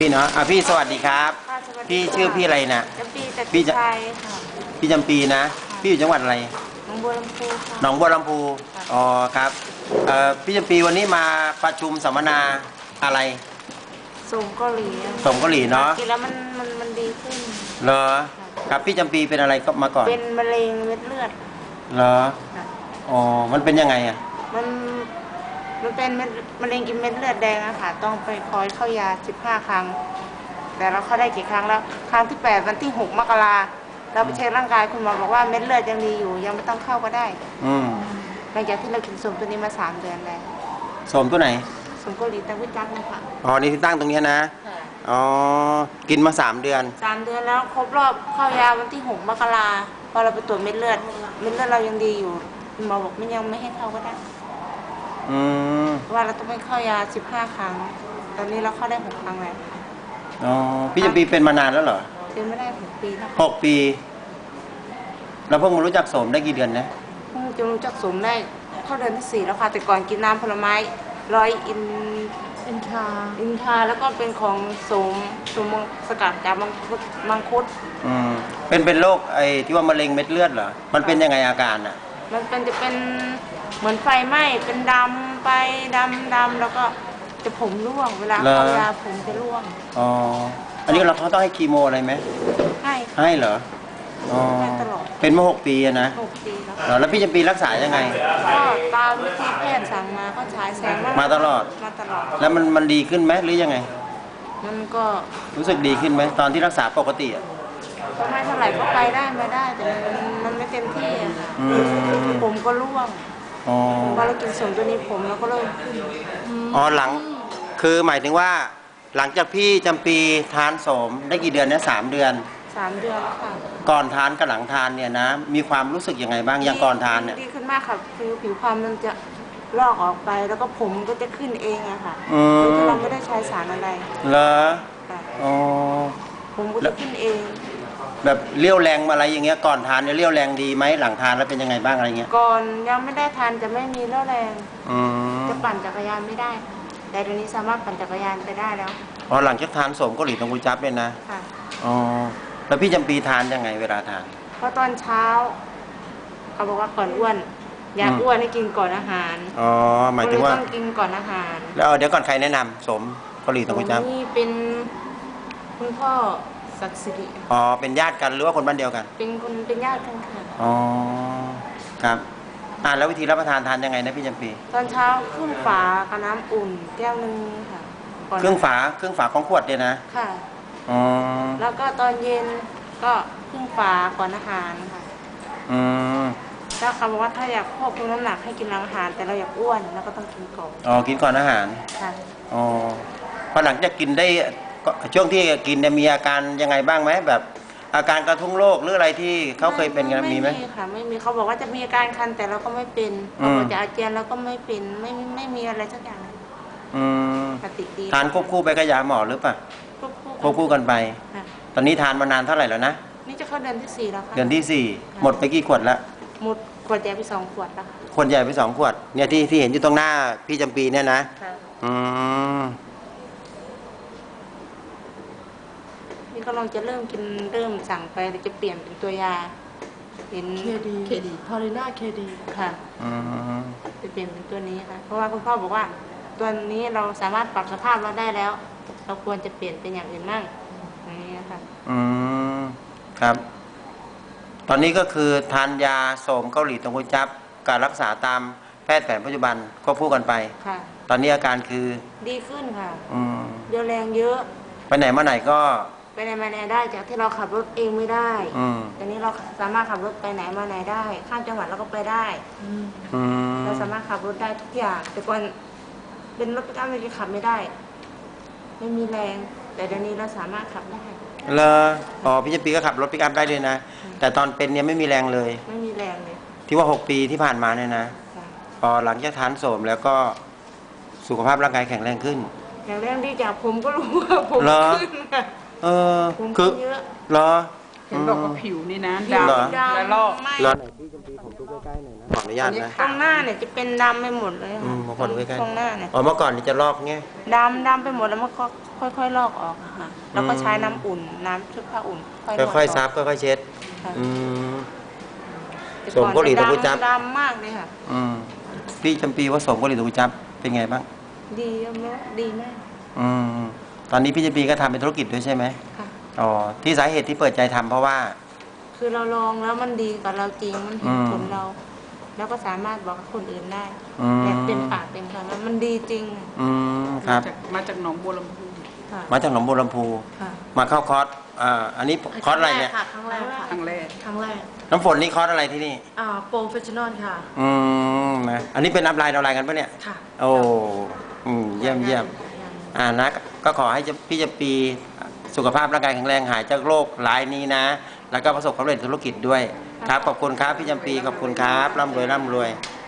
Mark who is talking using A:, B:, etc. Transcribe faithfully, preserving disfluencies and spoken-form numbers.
A: พี่เนาะอ่ะพี่สวัสดีครับ
B: ค่ะสวัสดี
A: พี่
B: ค่ะ
A: ชื่อพี่อะไรนะ
B: จำปีแต่
A: พี่
B: พี่
A: จะ
B: ชายค่ะ
A: พี่จำปีนะ พี่อยู่จังหวัดอะไร
B: หนองบัวลำพูค่ะ
A: หนองบัวลำพู
B: ค่ะ
A: อ๋อครับเอ่อพี่จำปีวันนี้มาประชุมสัมมนาอะไร
B: ส่งเกาหลีอะ
A: ส่งเกาหลีเนอะ
B: กินแล้วมันมันมันดีขึ้น
A: เหรอครับพี่จำปีเป็นอะไรก็มาก่อน
B: เป็นมะเร็งเม็ดเลือด
A: เหรอ
B: ค่ะ
A: อ๋อมันเป็นยังไงอ่ะ
B: มันมันเป็นเม็ดมะเร็งกินเม็ดเลือดแดงอะค่ะต้องไปคอยเข้ายาสิบห้าครั้ง แต่เราเข้าได้กี่ครั้งแล้ว ครั้งที่แปดวันที่หกมกราเราไปเช็คร่างกายคุณหมอบอกว่าเม็ดเลือดยังดีอยู่ ยังไม่ต้องเข้าก็ได้
A: อืม
B: หลังจากที่เรากินสมตัวนี้มาสามเดือนแล้ว
A: สมตัวไหน
B: สมเกาหลีตั้งวิจักนะคะ
A: อ๋อนี่ที่ตั้งตรงเนี้ยนะ
B: ค่ะ
A: อ๋อกินมาสามเดือน
B: สามเดือนแล้วครบรอบเข้ายาวันที่หกมกราพอเราไปตรวจเม็ดเลือดเม็ดเลือดเรายังดีอยู่คุณหมอบอกไม่ยังไม่ให้เข้าก็ได้
A: อืม
B: เพราะว่าเราต้องไปเข้ายาสิบห้าครั้ง ตอนนี้เราเข้าได้หกครั้งแล้ว
A: อ๋อพี่จำปีเป็นมานานแล้วเหรอ
B: เป็นไม่ได้หกปีแล้ว
A: หกปีเราเพิ่งมารู้จักสมได้กี่เดือนนะ
B: เพิ่งจะรู้จักสมได้เข้าเดือนที่สี่แล้วค่ะแต่ก่อนกินน้ำผลไม้ร้อยอิน
C: อินทรา
B: อินทาแล้วก็เป็นของสมสมสกัดจากมังคุดมังคุด
A: อืมเป็นเป็นโรคไอ้ที่ว่ามะเร็งเม็ดเลือดเหรอ มันเป็นยังไงอาการอ่ะ
B: มันเป็นจะเป็นเหมือนไฟไหม้เป็นดำไปดำดำแล้วก็จะผมร่วงเวลา
A: เหรอ
B: เข้ายาผมจะร่วง
A: อ๋อ อันนี้เราเขาต้องให้คีโมอะไรไหม
B: ให้
A: ให้เหรอ อ๋อ
B: ให้ตลอด
A: เป็นมาหกปีอะนะ
B: หกปีแล้ว
A: เหรอแล้วพี่จำปีรักษายังไง
B: ก็ตามที่แพทย์สั่งมาก็ฉายแสง
A: มาตลอด
B: มาตลอด
A: แล้วมันมันดีขึ้นไหมหรือยังไง
B: มันก็
A: รู้สึกดีขึ้นไหมตอนที่รักษาปกติอ่ะ
B: ก็ไม่เท่าไหร่ก็ไปได้ไม่ได้แต่มันมันไม่เต็มที่อะค่ะ
A: อืม
B: ผมก็ร่วง
A: อ๋อ
B: พอเรากินสมตัวนี้ผมเราก็เริ่มขึ้น
A: อ๋อหลัง คือหมายถึงว่า หลังจากพี่จำปีทานโสมได้กี่เดือนนะสามเดือน
B: สามเดือนแล้วค่ะ
A: ก่อนทานกับหลังทานเนี่ยนะ มีความรู้สึกยังไงบ้างอย่างก่อนทานเนี่ย
B: ดีขึ้นมากค่ะคือผิวพรรณมันจะลอกออกไปแล้วก็ผมก็จะขึ้นเองอะค่ะ
A: อืม
B: โดยที่เราไม่ได้ใช้สารอะไร
A: เหรอ
B: ค่ะ
A: อ๋อ
B: ผมก็จะขึ้นเอง
A: แบบเลี้ยวแรงอะไรอย่างเงี้ยก่อนทานเนี่ยเลี้ยวแรงดีไหมหลังทานแล้วเป็นยังไงบ้างอะไรเงี้ย
B: ก่อนยังไม่ได้ทานจะไม่มีเรี่ยวแรง
A: อืม
B: จะปั่นจักรยานไม่ได้ค่ะแต่เดี๋ยวนี้สามารถปั่นจักรยานไปได้แล้ว
A: พอหลังจากทานโสมเกาหลีตรงกุยจับเนี่ยนะ
B: ค่ะ
A: อ๋อแล้วพี่จำปีทานยังไงเวลาทาน
B: เพราะตอนเช้าเขาบอกว่าก่อนอ้วนอยาก
A: อืม
B: อ้วนให้กินก่อนอาหาร
A: อ๋อหมายถึงว่า
B: ก็เลยต้องกินก่อนอาหาร
A: แล้วเอาเดี๋ยวก่อนใครแนะนำโสมเกาหลีตรงกุยจับ
B: นี่เป็นคุณพ่อศักดิ์สิริ
A: อ๋อเป็นญาติกันหรือว่าคนบ้านเดียวกัน
B: เป็นคนเป็นญาติกันค่ะ
A: อ๋อครับอ่าแล้ววิธีรับประทานทานยังไงนะพี่จำปี
B: ตอนเช้าครึ่งฝากับน้ำอุ่นแก้วหนึงค่ะก่น
A: เครื่องฝาเครื่องฝาของขวดเนี่ยนะ
B: ค่ะ
A: อ๋อ
B: แล้วก็ตอนเย็นก็ครึ่งฝาก่อนอาหารค่ะ
A: อืม
B: แล้วเขาบอกว่าถ้าอยากควบคุมน้ำหนักให้กินหลังอาหาร แต่เราอยากอ้วนเราก็ต้องกินก่อน
A: อ๋อกินก่อนอาหาร ค่ะ อ๋อพอหลังจากกินได้ก็ช่วงที่กินเนี่ยมีอาการยังไงบ้างไหมแบบ อาการกระทุ้งโรคหรืออะไรที่เขาเคยเป็นกันมีไหม
B: ไม่มีค่ะไม่มีเขาบอกว่าจะมีอาการคันแต่เราก็ไม่เป็น
A: อืม
B: เขาบอกจะอาเจียนเราก็ไม่เป็นไม่ไม่ไม่มีอะไรสักอย่างเลย
A: อืม
B: ปกติดี
A: ทานควบคู่ไปกับยาหมอหรือเปล่า
B: ควบคู่
A: ควบคู่กันไป
B: ค่ะ
A: ตอนนี้ทานมานานเท่าไหร่แล้วนะ
B: นี่จะเข้าเดือนที่สี่แล้วค่ะ
A: เดือนที่สี่หมดไปกี่ขวดแล้ว
B: หมดขวดใหญ่ไปสองขวดแล้วค่ะ
A: ขวดใหญ่ไปสองขวดเนี่ยที่ที่เห็นอยู่ตรงหน้าพี่จำปีเนี่ยนะ
B: ค่ะ
A: อืม
B: นี่ก็ลองจะเริ่มกินเริ่มสั่งไปเดี๋ยวจะเปลี่ยนเป็นตัวยาเห็น
C: เคดีเคดีพอลิน่าเคดี
B: ค่ะ
A: อืม
B: จะเปลี่ยนเป็นตัวนี้ค่ะ เพราะว่าคุณพ่อบอกว่า ตัวนี้เราสามารถปรับสภาพเราได้แล้ว เราควรจะเปลี่ยนเป็นอย่างอื่นมั่งอย่างนี้นะคะ
A: อืมครับ ตอนนี้ก็คือทานยาโสมเกาหลีตรงกุยจับการรักษาตามแพทย์แผนปัจจุบันก็พูดกันไป
B: ค่ะ
A: ตอนนี้อาการคือ
B: ดีขึ้นค่ะ
A: อืม
B: เรียวแรงเยอะ
A: ไปไหนมาไหนก็
B: ไปไหนมาไหนได้จากที่เราขับรถเองไม่ได้
A: อืม
B: ตอนนี้เราสามารถขับรถไปไหนมาไหนได้ ข้ามจังหวัดเราก็ไปได้
A: อืม
B: เราสามารถขับรถได้ทุกอย่าง แต่ก่อนเป็นรถปิกอัพเราจะขับไม่ได้ ไม่มีแรง แต่เดี๋ยวนี้เราสามารถขับได้
A: เลออ๋อพี่จำปีก็ขับรถปิกอัพได้เลยนะ แต่ตอนเป็นเนี่ยไม่มีแรงเลย
B: ไม่มีแรงเลย
A: ที่ว่าหกปีที่ผ่านมาเนี่ยนะ
B: ค่ะ
A: พอหลังจากทานโสมแล้วก็สุขภาพร่างกายแข็งแรงขึ้น
B: อย่างแรงดีจากผมก็รู้ว่าผม
A: เหรอ
B: ขึ้นค่ะ
A: เออ
B: ผม
A: คื
B: ขึ้
A: อน
B: เยอะ
A: เหรอ
C: เห็นบอกว่าผิวนี่นะ
B: ผิว
C: ดำ
A: เหรอ
B: ดำ
C: และลอก
B: ไม่
A: แล้วไหนพี่จำปีผมดูใกล้ๆหน่อยนะขออนุญาตนะ
B: ตรงหน้าเนี่ยจะเป็นดำไปหมดเลย
A: อื
B: ค่ะ
A: มบางคนใกล้
B: ตรงหน้าเนี่ย
A: ๆอ๋อเมื่อก่อนนี่จะลอกเงี้ย
B: ดำดำไปหมดแล้วมันก็ค่อยๆลอกออกอะค่ะแล้วก็ใช้น้ำอุ่นน้ำชุบผ้าอุ่นค่อยๆ
A: ค่อยๆ
B: ล
A: ซั
B: อก
A: บค่อยๆเช็ด
B: ค่ะ
A: อืม
B: แต่
A: สวมเกาหลีตะกุจับ
B: ดำดำมากเลยค่ะ
A: อืมพี่จำปีว่าสมกุหลีตะกุจับเป็นไงบ้าง
B: ดีมากดีมาก
A: อืมตอนนี้พี่จำปีก็ทำเป็นธุรกิจด้วยใช่ไหม
B: ค่ะ
A: อ๋อที่สาเหตุที่เปิดใจทำเพราะว่า
B: คือเราลองแล้วมันดีกับเราจริงมันเห็น
A: อืม
B: ผลเรา แล้วก็สามารถบอกกับคนอื่นได้
A: อืม
B: แบบเต็มปากเต็มคำว่ามันดีจริงอะ
A: อืมครับ
C: จากมาจากหนองบัวลำพู
B: ค่ะ
A: มาจากหนองบัวลำพู
B: ค่ะ
A: มาเข้าคอร์สอ่าอันนี้คอร์สอะไรเนี่ย
C: ค่ะครั้งแรกค่ะ
D: ครั้งแรก
C: ครั้งแรก
A: น้ำฝนนี่คอร์สอะไรที่นี่
C: อ่าโปรเฟชชั่นอลค่ะ
A: อืมนะอันนี้เป็นอัพไลน์ดาวน์ไลน์กันปะเนี่ย
C: ค่ะ
A: โอ้อืมเยี่ยมเยี่ยมอ่านะก็ขอให้พี่จะปีสุขภาพร่างกายแข็งแรงหายจากโรครายนี้นะ แล้วก็ประสบความสำเร็จธุรกิจด้วยครับขอบคุณครับพี่จำปีขอบคุณครับร่ำรวยร่ำรวย
B: ค